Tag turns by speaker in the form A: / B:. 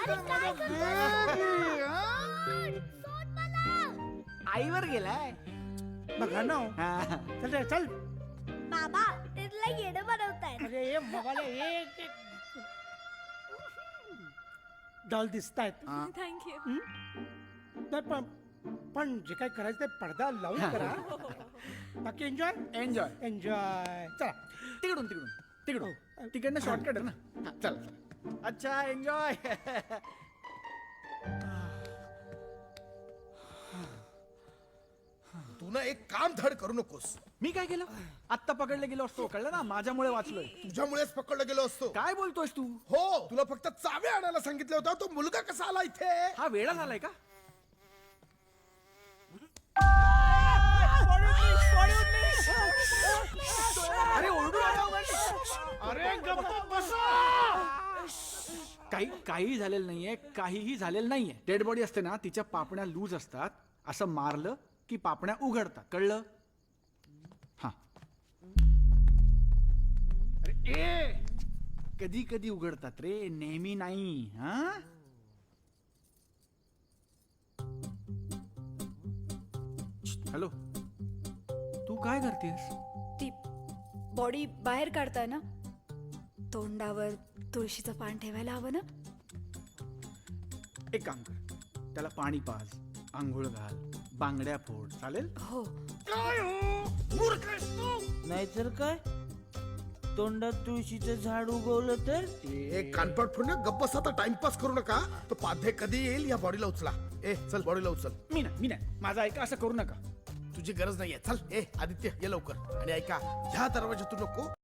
A: आईवर गेलाय
B: बघा ना हो.
A: हा.
B: चल रे, चल.
C: बाबा तिथला येणं बनवताय.
B: अरे हे मोबाईल डॉल दिसतायत.
C: थँक्यू.
B: नाही पण जे काय करायचं ते पडदा लावून करा. बाकी एन्जॉय
A: एन्जॉय
B: एन्जॉय. चला
A: तिकडून तिकडून तिकडून तिकडनं शॉर्टकट आहे ना. हा, चल. अच्छा एन्जॉय.
D: तू ना एक काम धड करू नकोस.
A: मी काय केलं? आत्ता पकडलं गेलो असतो, कळलं ना, माझ्यामुळे वाचलोय.
D: तुझ्यामुळेच पकडला गेलो असतो.
A: काय बोलतोयस तू?
D: हो, तुला फक्त चावे आणायला सांगितलं होतं. तो मुलगा कसा आला इथे?
A: हा वेळा झालाय का? अरे ओरडू नका.
B: अरे गप्प बसा.
A: काही झालेलं नाहीये, काहीही झालेलं नाहीये. डेड बॉडी असते ना, तिच्या पापण्या लूज असतात. असं मारलं की पापण्या उघडतात, कळलं? हा. अरे कधी कधी उघडतात रे, नेहमी नाही. हा. हॅलो, तू काय करतेस?
E: ती बॉडी बाहेर काढताय ना, तोंडावर तुळशीचं पान ठेवायला हवं ना.
A: एक काम कर, त्याला पाणी पाज, आंघोळ घाल, बांगड्या फोड, चालेल?
E: हो.
B: काय हो मूर्ख आहेस तू.
F: नाहीतर काय, तोंडात तुळशीचं झाड उगवलं तर
D: एक कानपट फोडणं. गप्प बस आता, टाइमपास करू नका. तो पाधे कधी येईल या बॉडीला उचला. चल बॉडीला उचल.
A: मी नाही, माझा ऐका, असं करू नका.
D: तुझी गरज नाहीये. चल आदित्य ये लवकर. आणि ऐका, ह्या दरवाजातून नको,